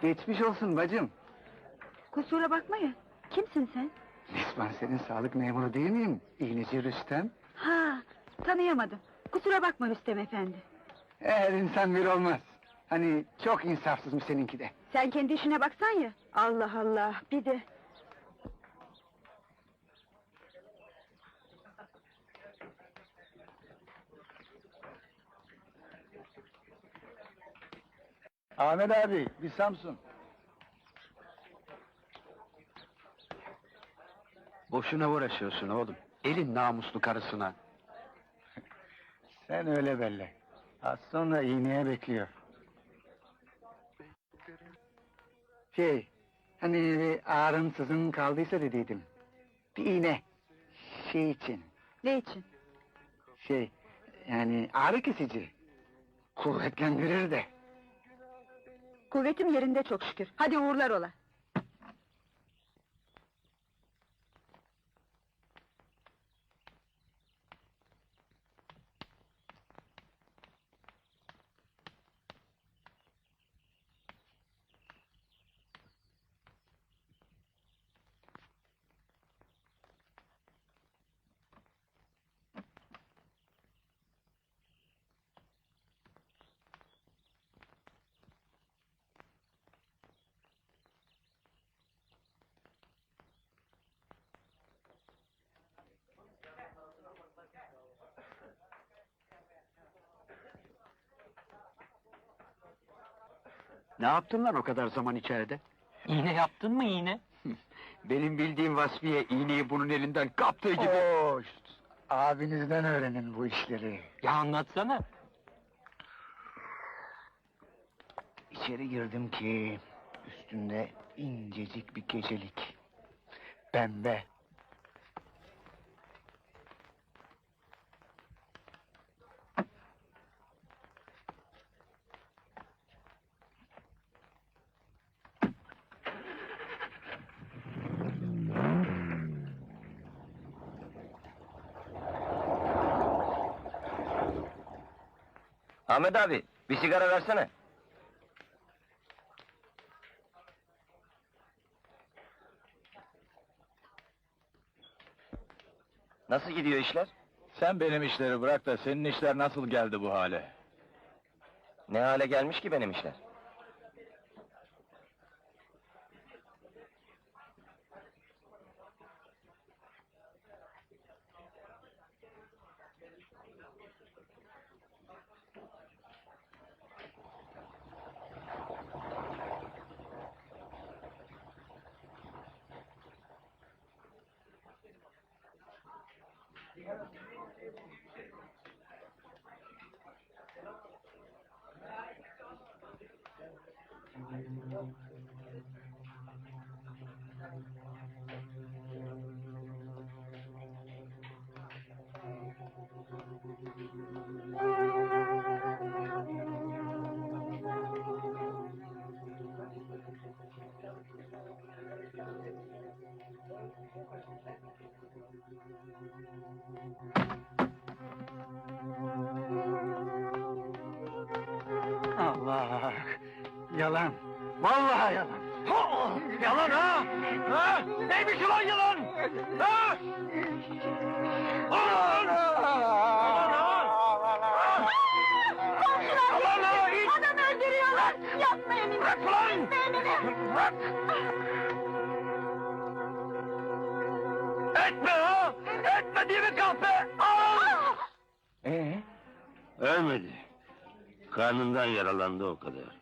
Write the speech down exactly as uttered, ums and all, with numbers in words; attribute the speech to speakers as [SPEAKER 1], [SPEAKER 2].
[SPEAKER 1] Geçmiş olsun bacım.
[SPEAKER 2] Kusura bakmayın. Kimsin sen?
[SPEAKER 1] Dispanserin sağlık memuru değil miyim? İğneci Rüstem.
[SPEAKER 2] Ha, tanıyamadım. Kusura bakma Rüstem efendi.
[SPEAKER 1] Her insan bir olmaz. Hani çok insafsızmış seninki de.
[SPEAKER 2] Sen kendi işine baksan ya. Allah Allah, bir de...
[SPEAKER 1] Ahmet abi, bir Samsun.
[SPEAKER 3] Boşuna uğraşıyorsun oğlum. Elin namuslu karısına.
[SPEAKER 1] Sen öyle belli. Az sonra iğneye bekliyor. Şey, hani ağrın sızın kaldıysa dediydim. Bir iğne. Şey için,
[SPEAKER 2] Ne için?
[SPEAKER 1] şey, yani ağrı kesici. Kuvvetlendirir de.
[SPEAKER 2] Kuvvetim yerinde çok şükür. Hadi uğurlar ola.
[SPEAKER 3] Ne yaptın lan o kadar zaman içeride?
[SPEAKER 4] İğne yaptın mı iğne?
[SPEAKER 3] Benim bildiğim Vasfiye iğneyi bunun elinden kaptığı gibi.
[SPEAKER 1] Hoş! Abinizden öğrenin bu işleri.
[SPEAKER 4] Ya anlatsana.
[SPEAKER 1] İçeri girdim ki üstünde incecik bir gecelik. Pembe.
[SPEAKER 4] Ahmet abi, bir sigara versene. Nasıl gidiyor işler?
[SPEAKER 5] Sen benim işleri bırak da senin işler nasıl geldi bu hale?
[SPEAKER 4] Ne hale gelmiş ki benim işler?
[SPEAKER 1] Allah! Yalan! Vallahi yalan!
[SPEAKER 4] Yalan ha! Ha? Neymiş ulan yalan? Ha? Ulan!
[SPEAKER 2] Komşular bizi! Adam öldürüyorlar! Yapmayın!
[SPEAKER 4] Bırak ulan! Bırak! Etme ha! Etme diye mi kahpe? Al!
[SPEAKER 1] Ee?
[SPEAKER 6] Ölmedi. Karnından yaralandı o kadar.